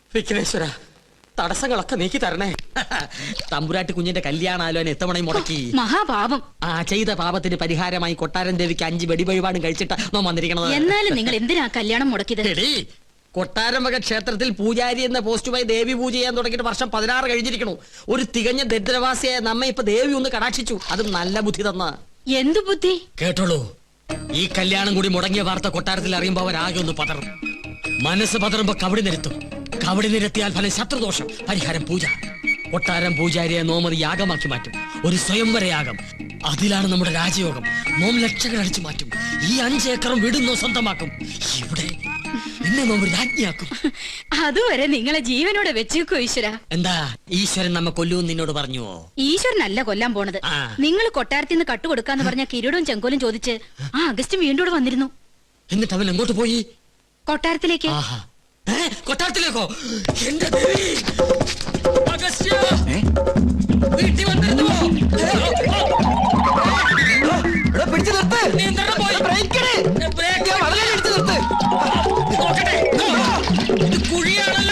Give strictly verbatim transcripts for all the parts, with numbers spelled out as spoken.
വിഘ്നേശ്വര, തടസ്സങ്ങളൊക്കെ നീക്കി തരണേ. തമ്പുരാട്ടി കുഞ്ഞിന്റെ കല്യാണാലോചന എത്തവണയും മുടക്കി. മഹാപാപം. ആ ചെയ്ത പാപത്തിന് പരിഹാരമായി കൊട്ടാരൻ ദേവിക്ക് അഞ്ച് വെടിവഴിപാടും കഴിച്ചിട്ട് നോ വന്നിരിക്കണത്. എന്നാലും നിങ്ങൾ എന്തിനാ കല്യാണം മുടക്കിയത്? കൊട്ടാരം വക ക്ഷേത്രത്തിൽ പൂജാരി എന്ന പോസ്റ്റുമായി ദേവി പൂജ ചെയ്യാൻ തുടങ്ങിയിട്ട് വർഷം പതിനാറ് കഴിഞ്ഞിരിക്കണു. ഒരു തികഞ്ഞ ദരിദ്രവാസിയായ നമ്മെ ഇപ്പൊ ദേവി ഒന്ന് കടാക്ഷിച്ചു. അതും നല്ല ബുദ്ധി തന്ന. എന്തു ബുദ്ധി? കേട്ടോളൂ, ഈ കല്യാണം കൂടി മുടങ്ങിയ വാർത്ത കൊട്ടാരത്തിൽ അറിയുമ്പോ അവരാകെ ഒന്ന് പതറും. മനസ്സ് പതറുമ്പോ കവടി നിരത്തും. കവടി നിരത്തിയാൽ ഫലം ശത്രുദോഷം, പരിഹാരം പൂജ. കൊട്ടാരം പൂജാരിയെ നോമതി യാഗമാക്കി മാറ്റും. ഒരു സ്വയംവര യാഗം. അതിലാണ് നമ്മുടെ രാജയോഗം. നോം ലക്ഷങ്ങൾ അടിച്ചു മാറ്റും. ഈ അഞ്ചേക്കറും വീടുന്നോ സ്വന്തമാക്കും. ഇവിടെ എന്നെ നോം രാജ്ഞിയാക്കും. അതുവരെ നിങ്ങളെ ജീവനോടെ വെച്ചേക്കോ ഈശ്വര. എന്താ ഈശ്വരൻ നമ്മെ കൊല്ലൂന്ന് നിന്നോട് പറഞ്ഞുവോ? ഈശ്വരനല്ല കൊല്ലാൻ പോണത്. നിങ്ങൾ കൊട്ടാരത്തിൽ നിന്ന് കട്ടുകൊടുക്കാന്ന് പറഞ്ഞ കിരീടവും ചെങ്കോലും ചോദിച്ച് ആ അഗസ്റ്റും വീണ്ടും വന്നിരുന്നു. എന്നിട്ട് അവൻ എങ്ങോട്ട് പോയി? കൊട്ടാരത്തിലേക്ക്. കൊട്ടാരത്തിലേക്കോ? എന്റെ ദേവി! അഗസ്ത്യ! വീട്ടിൽ വന്നിരുന്നുവോ? പിടിച്ചു നിർത്ത്. നോക്കട്ടെ, ഇത് കുഴിയാണല്ലോ.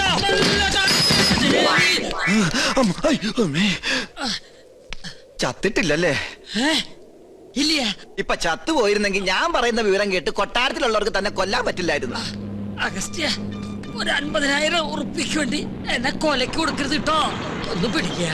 ചത്തിട്ടില്ലല്ലേ? ഇല്ല. ഇപ്പൊ ചത്തു പോയിരുന്നെങ്കിൽ ഞാൻ പറയുന്ന വിവരം കേട്ട് കൊട്ടാരത്തിലുള്ളവർക്ക് തന്നെ കൊല്ലാൻ പറ്റില്ലായിരുന്നു. അഗസ്ത്യ, ഒരു അൻപതിനായിരം ഉറുപ്പിക്ക് വേണ്ടി എന്നെ കൊലക്ക് കൊടുക്കരുത് കേട്ടോ. ഒന്ന് പിടിക്കുക.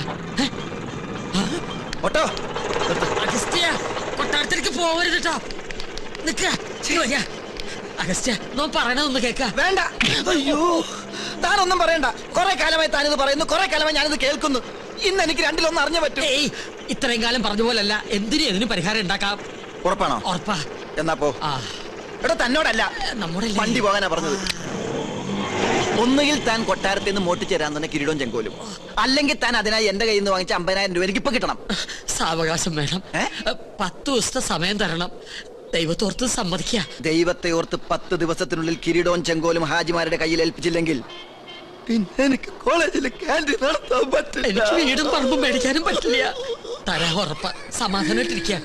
അഗസ്ത്യ, കൊട്ടാരത്തിലേക്ക് പോവരുത് കേട്ടോ. നിക്ക. അഗസ്ത്യ, നോ പറയണതൊന്ന് കേക്ക. വേണ്ട. അയ്യോ, താനൊന്നും പറയണ്ട. കുറെ കാലമായി താനിത് പറയുന്നു, കുറെ കാലമായി ഞാനിത് കേൾക്കുന്നു. ഇന്ന് എനിക്ക് രണ്ടിലൊന്നും അറിഞ്ഞു പറ്റും. ഇത്രയും കാലം പറഞ്ഞ പോലല്ല. എന്തിനും ഇതിന് പരിഹാരം ഉണ്ടാക്കാം. ഉറപ്പാണോ? ഉറപ്പാ. എന്നാ പോ. എടോ, തന്നോടല്ല, നമ്മുടെ വണ്ടി പോകാനാ പറഞ്ഞത്. ഒന്നുകിൽ താൻ കൊട്ടാരത്തിൽ നിന്ന് മോട്ടിച്ചേരാൻ തന്നെ കിരീടവും ചെങ്കോലും, അല്ലെങ്കിൽ താൻ അതിനായി എന്റെ കയ്യിൽ നിന്ന് വാങ്ങിച്ച അമ്പതിനായിരം രൂപ എനിക്ക് ഇപ്പൊ കിട്ടണം. സാവകാശം വേണം. പത്ത് ദിവസത്തെ സമയം തരണം. ദൈവത്തോർത്ത് സമ്മതിക്കുക. ദൈവത്തെ ഓർത്ത് പത്ത് ദിവസത്തിനുള്ളിൽ കിരീടവും ചെങ്കോലും ഹാജിമാരുടെ കയ്യിൽ ഏൽപ്പിച്ചില്ലെങ്കിൽ പിന്നെ എനിക്ക് കോളേജിൽ ക്യാൻറ്റീൻ നടത്താൻ പറ്റില്ല. എനിക്ക് വീടും പറമ്പും മേടിക്കാനും പറ്റില്ല. തരാ ഉറപ്പ. സമാധാനമായിട്ടിരിക്കുക.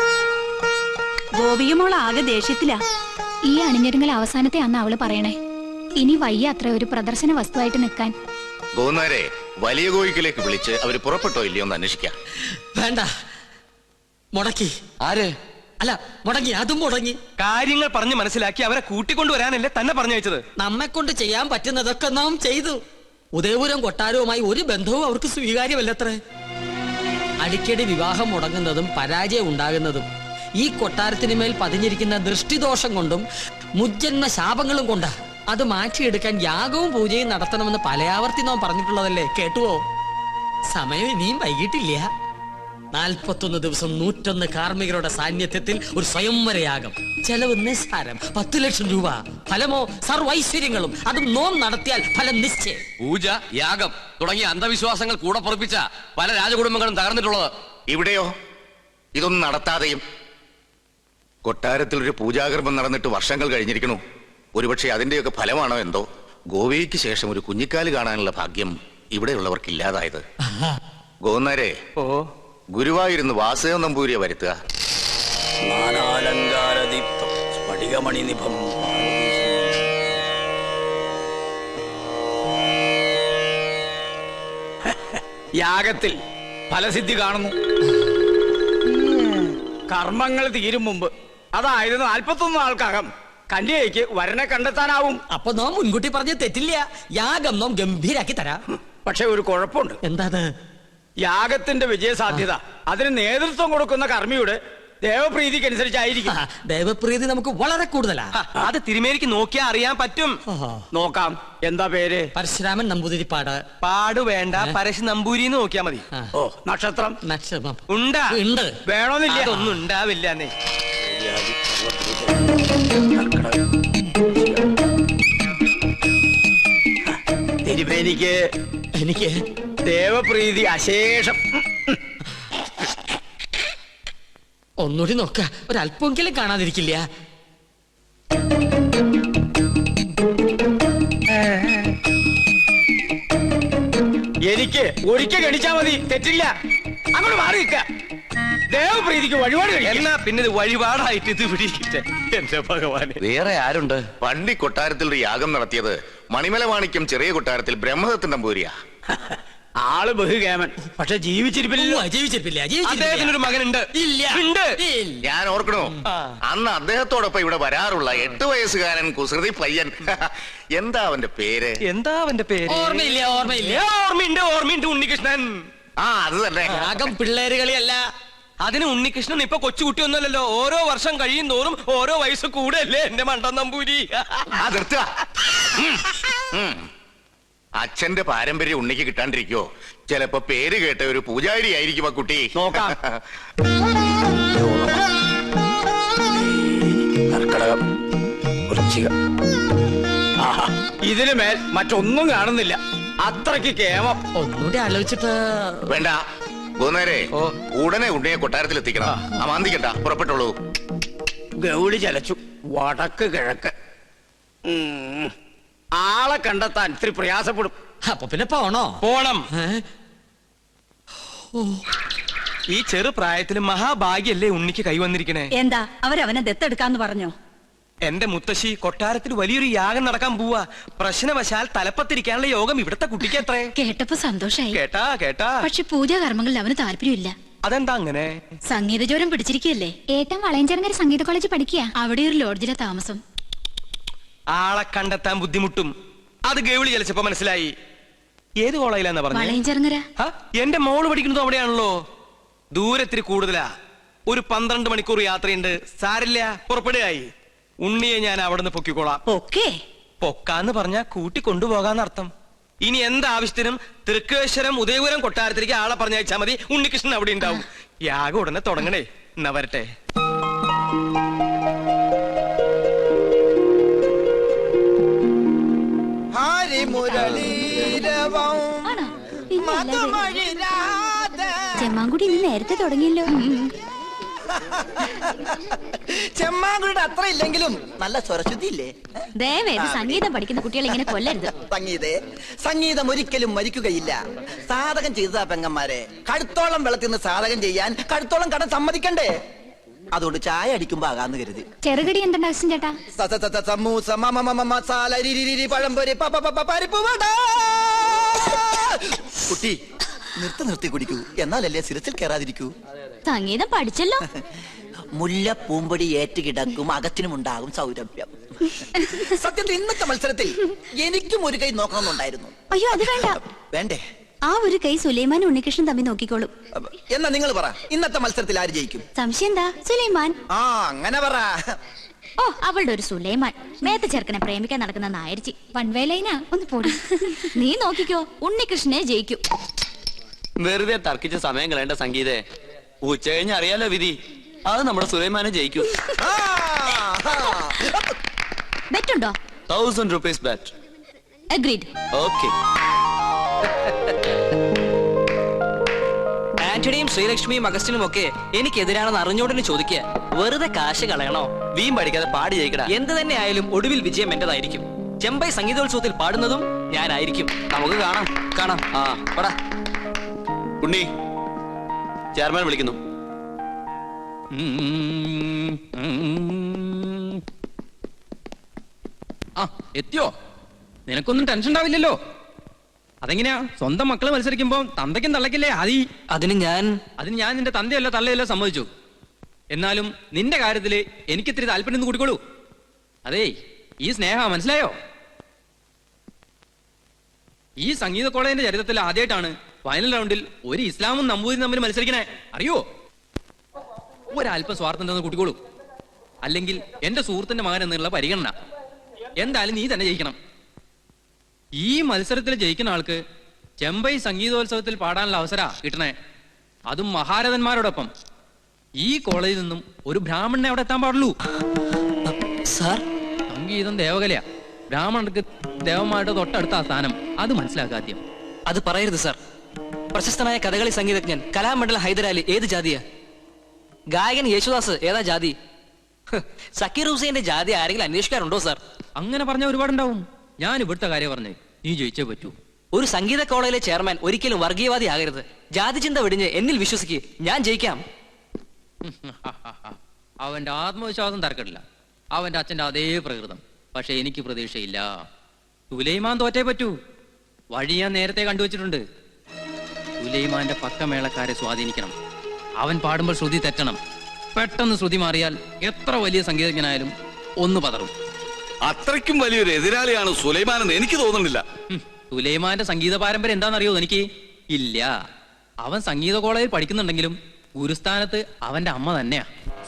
ഗോപിയമോൾ ആകെ ദേഷ്യത്തിലാ. ഈ അണിഞ്ഞൊരുങ്ങൽ അവസാനത്തെ അന്ന് അവള് പറയണേ. ഇനി വയ്യ അത്ര ഒരു പ്രദർശന വസ്തുവായിട്ട് നിൽക്കാൻ. ഗോന്നാരെ വലിയ കോയിക്കിലേക്ക് വിളിച്ച് അവര് പുറപ്പെട്ടോ ഇല്ലയോ എന്ന് അന്വേഷിക്കാം. വേണ്ട, മുടക്കി. ആര്? അല്ല, മുടങ്ങി. അതും മുടങ്ങി. കാര്യങ്ങൾ പറഞ്ഞ് മനസ്സിലാക്കി അവരെ കൂട്ടിക്കൊണ്ടുവരാനല്ലേ തന്നെ പറഞ്ഞയച്ചത്. നമ്മെ കൊണ്ട് ചെയ്യാൻ പറ്റുന്നതൊക്കെ നാം ചെയ്തു. ഉദയപുരം കൊട്ടാരവുമായി ഒരു ബന്ധവും അവർക്ക് സ്വീകാര്യമല്ലത്രേ. അടിക്കടി വിവാഹം മുടങ്ങുന്നതും പരാജയം ഉണ്ടാകുന്നതും ഈ കൊട്ടാരത്തിന് മേൽ പതിഞ്ഞിരിക്കുന്ന ദൃഷ്ടിദോഷം കൊണ്ടും മുജ്ജന്മ ശാപങ്ങളും കൊണ്ടാ. അത് മാറ്റിയെടുക്കാൻ യാഗവും പൂജയും നടത്തണമെന്ന് പലയാവർത്തി നാം പറഞ്ഞിട്ടുള്ളതല്ലേ. കേട്ടുവോ? സമയം ഇനിയും വൈകിട്ടില്ല. നാൽപ്പത്തൊന്ന് ദിവസം നൂറ്റൊന്ന് കാർമ്മികരുടെ സാന്നിധ്യത്തിൽ ഒരു സ്വയംവരയാഗം. ചെലവ് നിസ്സാരം, പത്ത് ലക്ഷം രൂപ. ഫലമോ സർവൈശ്വര്യങ്ങളും. അതും നോം നടത്തിയാൽ ഫലം നിശ്ചയം. പൂജ, യാഗം തുടങ്ങിയ അന്ധവിശ്വാസങ്ങൾ കൂടെ പൊറപ്പിച്ച പല രാജകുടുംബങ്ങളും തകർന്നിട്ടുള്ളത്. ഇവിടെയോ ഇതൊന്നും നടത്താതെയും കൊട്ടാരത്തിൽ ഒരു പൂജാകർമ്മം നടന്നിട്ട് വർഷങ്ങൾ കഴിഞ്ഞിരിക്കണു. ഒരുപക്ഷെ അതിന്റെയൊക്കെ ഫലമാണോ എന്തോ ഗോവയ്ക്ക് ശേഷം ഒരു കുഞ്ഞിക്കാല് കാണാനുള്ള ഭാഗ്യം ഇവിടെയുള്ളവർക്ക് ഇല്ലാതായത്. ഗോന്നാരെ, ഓ ഗുരുവായൂരുന്ന് വാസുദേവ നമ്പൂരിയെ വരുത്തുക. യാഗത്തിൽ ഫലസിദ്ധി കാണുന്നു. കർമ്മങ്ങൾ തീരും മുമ്പ്, അതായത് നാൽപ്പത്തൊന്ന് നാൾക്കകം കന്യകയ്ക്ക് വരനെ കണ്ടെത്താനാവും. അപ്പൊ നാം മുൻകൂട്ടി പറഞ്ഞ തെറ്റില്ല. യാഗം നാം ഗംഭീരാക്കി തരാം. പക്ഷെ ഒരു കുഴപ്പമുണ്ട്. എന്താണ്? യാഗത്തിന്റെ വിജയസാധ്യത അതിന് നേതൃത്വം കൊടുക്കുന്ന കർമ്മിയുടെ ദേവപ്രീതിക്ക് അനുസരിച്ചായിരിക്കും. ദേവപ്രീതി നമുക്ക് വളരെ കൂടുതലാ. അത് തിരുമേനിക്ക് നോക്കിയാൽ അറിയാൻ പറ്റും. നോക്കാം. എന്താ പേര്? പരശുരാമൻ നമ്പൂതിരിപ്പാട്. പാട് വേണ്ട, പരശു നമ്പൂരി നോക്കിയാ മതി. ഓ, നക്ഷത്രം? നക്ഷത്രം ഉണ്ടാ ഉണ്ട്. വേണമെന്നില്ല. ഒന്നും ഉണ്ടാവില്ല. തിരുമേനിക്ക് എനിക്ക് ദേവപ്രീതി അശേഷം. ഒന്നുകൂടി നോക്ക, ഒരല്പമെങ്കിലും കാണാതിരിക്കില്ല. എനിക്ക് ഒരിക്കൽ ഗണിച്ചാ മതി, തെറ്റില്ല. അങ്ങോട്ട് മാറി നിൽക്ക. ദേവപ്രീതിക്ക് വഴിപാട് എന്നാ പിന്നെ ഇത് വഴിപാടായിട്ട് ഇത് പിടിക്കട്ടെ. എന്റെ ഭഗവാനെ, വേറെ ആരുണ്ട്? പണ്ടി കൊട്ടാരത്തിൽ ഒരു യാഗം നടത്തിയത് മണിമല മാണിക്യം ചെറിയ കൊട്ടാരത്തിൽ ബ്രഹ്മദത്തൻ നമ്പൂരിയാ. ആള് ബഹുകേമൻ, പക്ഷെ ജീവിച്ചിരിപ്പില്ലല്ലോ. ജീവിച്ചിരിപ്പില്ല അദ്ദേഹത്തിനൊരു മകനുണ്ട്. ഇല്ല ഉണ്ട്. ഞാൻ ഓർക്കണോ, അന്ന് അദ്ദേഹത്തോടൊപ്പം ഇവിടെ വരാറുള്ള എട്ട് വയസ്സുകാരൻ കുസൃതി പയ്യൻ. എന്താ അവന്റെ പേര്? എന്താ അവന്റെ പേര്? ഓർമ്മയില്ല ഓർമ്മയില്ല ഓർമ്മയുണ്ട് ഓർമ്മയുണ്ട് ഉണ്ണികൃഷ്ണൻ. ആ അത് തന്നെ. രാഗം പിള്ളേര് കളിയല്ല. അതിന് ഉണ്ണികൃഷ്ണൻ ഇപ്പൊ കൊച്ചുകുട്ടിയൊന്നുമല്ലല്ലോ. ഓരോ വർഷം കഴിയും തോറും ഓരോ വയസ്സ് കൂടെയല്ലേ എന്റെ മണ്ടൻ നമ്പൂരി. ആ നിർത്തുക. അച്ഛന്റെ പാരമ്പര്യം ഉണ്ണിക്ക് കിട്ടാണ്ടിരിക്കോ? ചിലപ്പോ പേര് കേട്ട ഒരു പൂജാരി ആയിരിക്കും ആ കുട്ടി. നോക്കാം. കർക്കടകം, വൃശ്ചികം. ഇതിനു മേൽ മറ്റൊന്നും കാണുന്നില്ല. അത്രയ്ക്ക് കേമം. ഒന്നുകൂടി ആലോചിച്ചിട്ട് വേണ്ട പോന്നേരെ, ഉടനെ ഉണ്ണിയെ കൊട്ടാരത്തിൽ എത്തിക്കണം. അമാന്തിക്കണ്ട, പുറപ്പെട്ടോളൂ. ഗൗളി ചലച്ചു. വടക്ക് കിഴക്ക്. ഉം. ആളെ കണ്ടെത്താൻ ഇത്തിരി പ്രയാസപ്പെടും. അപ്പൊ പിന്നെ പോണോ? പോണം. ഈ ചെറു പ്രായത്തിൽ മഹാഭാഗ്യല്ലേ ഉണ്ണിക്ക് കൈവന്നിരിക്കണേ. എന്താ അവരവനെ ദത്തെടുക്കാന്ന് പറഞ്ഞോ? എന്റെ മുത്തശ്ശി കൊട്ടാരത്തിൽ വലിയൊരു യാഗം നടക്കാൻ പോവാ. പ്രശ്നവശാൽ തലപ്പത്തിരിക്കാനുള്ള യോഗം ഇവിടുത്തെ കുട്ടിക്ക് എത്രേ. കേട്ടപ്പോ സന്തോഷായി. കേട്ടാ കേട്ടാ പക്ഷെ പൂജാകർമ്മങ്ങളിൽ അവന് താല്പര്യമില്ല. അതെന്താ അങ്ങനെ? സംഗീതജ്വരം പിടിച്ചിരിക്കുകയല്ലേ. ഏട്ടൻ വളയഞ്ചേർങ്ങര സംഗീത കോളേജ് പഠിക്കുക. അവിടെ ഒരു ലോഡ്ജിലെ താമസം. ആളെ കണ്ടെത്താൻ ബുദ്ധിമുട്ടും. അത് ഗൗളി ചലിച്ചപ്പോ മനസ്സിലായി. ഏത് കോളേജിലാന്നാ പറഞ്ഞത്? വളയഞ്ചേർങ്ങര. എന്റെ മോള് പഠിക്കുന്നത് അവിടെയാണല്ലോ. ദൂരത്തിരി കൂടുതലാ. ഒരു പന്ത്രണ്ട് മണിക്കൂർ യാത്രയുണ്ട്. സാരില്ല, പുറപ്പെടുകയായി. ഉണ്ണിയെ ഞാൻ അവിടെ നിന്ന് പൊക്കിക്കോളാം. ഓക്കേ. പൊക്കാന്ന് പറഞ്ഞാ കൂട്ടി കൊണ്ടുപോകാന്നർത്ഥം. ഇനി എന്താവശ്യത്തിനും തൃക്കേശ്വരം ഉദയപുരം കൊട്ടാരത്തിലേക്ക് ആളെ പറഞ്ഞയച്ചാ മതി. ഉണ്ണികൃഷ്ണൻ അവിടെ ഉണ്ടാവും. യാഗം ഉടനെ തുടങ്ങണേ. എന്നാ വരട്ടെ. ചെമ്മാങ്കുടി ഇന്ന് നേരത്തെ തുടങ്ങിയല്ലോ. ചെമ്മാങ്കുടിയുടെ അത്ര ഇല്ലെങ്കിലും നല്ല സ്വരശുദ്ധി ഇല്ലേ? ദയവേത് സംഗീതം പഠിക്കുന്ന കുട്ടികൾ ഇങ്ങനെ കൊല്ലരുത്. സംഗീതേ, സംഗീതം ഒരിക്കലും മരിക്കുകയില്ല. സാധകം ചെയ്തതാ പെങ്ങന്മാരെ. കഴുത്തോളം വെള്ളത്തിൽ നിന്ന് സാധകം ചെയ്യാൻ കഴുത്തോളം കടം സമ്മതിക്കണ്ടേ? അതുകൊണ്ട് ചായ അടിക്കുമ്പോ ആകാന്ന് കരുതി. ചെറുകടി എന്തുണ്ട് അച്ഛൻ ചേട്ടാ? സമൂസ, മസാല, പഴംപൊരി, പരിപ്പ് വട. കുട്ടി നിർത്തി നിർത്തി കുടിക്കൂ, എന്നാലല്ലേ സിരസിൽ കയറാതിരിക്കൂ. സംഗീതം പഠിച്ചല്ലോ. മുല്ല പൂമ്പൊടി ഏറ്റുകിടക്കും, അകത്തിനുമുണ്ടാകും സൗരഭ്യം. സത്യത്തിൽ ഇന്നത്തെ മത്സരത്തിൽ എനിക്കും ഒരു കൈ നോക്കണമെന്നുണ്ടായിരുന്നു. അയ്യോ അത് വേണ്ട. വേണ്ടേ? ആ ഒരു കൈ സുലൈമാൻ ഉണ്ണികൃഷ്ണൻ തമ്മിൽ നോക്കിക്കോളും. എന്നാ നിങ്ങൾ പറ, ഇന്നത്തെ മത്സരത്തിൽ ആര് ജയിക്കും? സംശയം എന്താ? സുലൈമാൻ. ആ അങ്ങനെ പറ. ഓ അവളുടെ ഒരു സുലൈമാൻ മേത്ത ചെറുക്കനെ പ്രേമിക്കാൻ നടക്കുന്ന നായരിച്ചി വൺവേലൈനാ. ഒന്ന് പോടി. നീ നോക്കിക്കോ, ഉണ്ണികൃഷ്ണനെ ജയിക്കും. വെറുതെ തർക്കിച്ച സമയം കളയേണ്ട സംഗീതേ. ഉച്ച കഴിഞ്ഞ് അറിയാലോ വിധി. അത് നമ്മുടെ സുലൈമാനെ ജയിക്കൂ. ബെറ്റുണ്ടോ? Thousand rupees bet. Agreed. Okay. ആന്റണിയും ശ്രീലക്ഷ്മിയും അഗസ്റ്റിനും ഒക്കെ എനിക്കെതിരാണെന്ന് അറിഞ്ഞോടിന് ചോദിക്കുക. വെറുതെ കാശ് കളയണോ? വീം പഠിക്കാതെ പാടി ജയിക്കടാ. എന്ത് തന്നെ ആയാലും ഒടുവിൽ വിജയം എന്റേതായിരിക്കും. ചെമ്പൈ സംഗീതോത്സവത്തിൽ പാടുന്നതും ഞാനായിരിക്കും. നമുക്ക് കാണാം കാണാം. ആ പടാ. ഉണ്ണി, ചെയർമാൻ വിളിക്കുന്നു. ആ എത്തിയോ? നിനക്കൊന്നും ടെൻഷൻ ഉണ്ടാവില്ലല്ലോ. അതെങ്ങനെയാ? സ്വന്തം മക്കള് മത്സരിക്കുമ്പോ തന്തയ്ക്കും തള്ളക്കില്ലേ ആദി? അതിന് ഞാൻ അതിന് ഞാൻ നിന്റെ തന്തയല്ലോ തള്ളയല്ലോ സമ്മതിച്ചു. എന്നാലും നിന്റെ കാര്യത്തില് എനിക്കിത്തിരി താല്പര്യം ഒന്ന് കൂടിക്കോളൂ. അതേ ഈ സ്നേഹ മനസ്സിലായോ? ഈ സംഗീത കോളേജിന്റെ ചരിത്രത്തിൽ ആദ്യമായിട്ടാണ് ഫൈനൽ റൗണ്ടിൽ ഒരു ഇസ്ലാമും നമ്പൂതിരും തമ്മിൽ മത്സരിക്കണേ. അറിയോ? ഒരല്പം സ്വാർത്ഥം ഉണ്ടെന്ന് കൂട്ടിക്കോളൂ. അല്ലെങ്കിൽ എന്റെ സുഹൃത്തിന്റെ മകൻ എന്നുള്ള പരിഗണന. എന്തായാലും നീ തന്നെ ജയിക്കണം. ഈ മത്സരത്തിൽ ജയിക്കുന്ന ആൾക്ക് ചെമ്പൈ സംഗീതോത്സവത്തിൽ പാടാനുള്ള അവസര കിട്ടണേ. അതും മഹാരഥന്മാരോടൊപ്പം. ഈ കോളേജിൽ നിന്നും ഒരു ബ്രാഹ്മണനെ അവിടെ എത്താൻ പാടുള്ളൂ. സാർ, സംഗീതം ദേവകലയാ. ബ്രാഹ്മണർക്ക് ദേവന്മാരുടെ തൊട്ടടുത്ത സ്ഥാനം. അത് മനസ്സിലാക്കാദ്യം. അത് പറയരുത് സാർ. പ്രശസ്തനായ കഥകളി സംഗീതജ്ഞൻ കലാമണ്ഡലം ഹൈദരാലി ഏത് ജാതിയാ? ഗായകൻ യേശുദാസ് ഏതാ ജാതി? സക്കീർ ഹുസൈന്റെ ജാതി ആരെങ്കിലും അന്വേഷിക്കാറുണ്ടോ സാർ? അങ്ങനെ പറഞ്ഞ ഒരുപാടുണ്ടാവും. ഞാൻ ഇവിടുത്തെ കാര്യം പറഞ്ഞേ, നീ ജയിച്ചേ പറ്റൂ. ഒരു സംഗീത കോളേജിലെ ചെയർമാൻ ഒരിക്കലും വർഗീയവാദി ആകരുത്. ജാതി ചിന്ത വെടിഞ്ഞ് എന്നിൽ വിശ്വസിക്ക്. ഞാൻ ജയിക്കാം. അവന്റെ ആത്മവിശ്വാസം തർക്കമില്ല. അവന്റെ അച്ഛന്റെ അതേ പ്രകൃതം. പക്ഷെ എനിക്ക് പ്രതീക്ഷയില്ല. സുലൈമാൻ തോറ്റേ പറ്റൂ. വഴി ഞാൻ നേരത്തെ കണ്ടുവച്ചിട്ടുണ്ട്. സുലൈമാന്റെ പക്കമേളക്കാരെ സ്വാധീനിക്കണം. അവൻ പാടുമ്പോൾ ശ്രുതി തെറ്റണം. പെട്ടെന്ന് ശ്രുതി മാറിയാൽ എത്ര വലിയ സംഗീതജ്ഞനായാലും ഒന്ന് പതറും. അത്രയ്ക്കും വലിയൊരു എതിരാളിയാണ് സുലൈമാൻ എന്ന് എനിക്ക് തോന്നുന്നില്ല. സുലൈമാന്റെ സംഗീത പാരമ്പര്യം എന്താണെന്നറിയോ എനിക്ക്? ഇല്ല. അവൻ സംഗീത കോളേജിൽ പഠിക്കുന്നുണ്ടെങ്കിലും ഗുരുസ്ഥാനത്ത് അവന്റെ അമ്മ തന്നെയാ.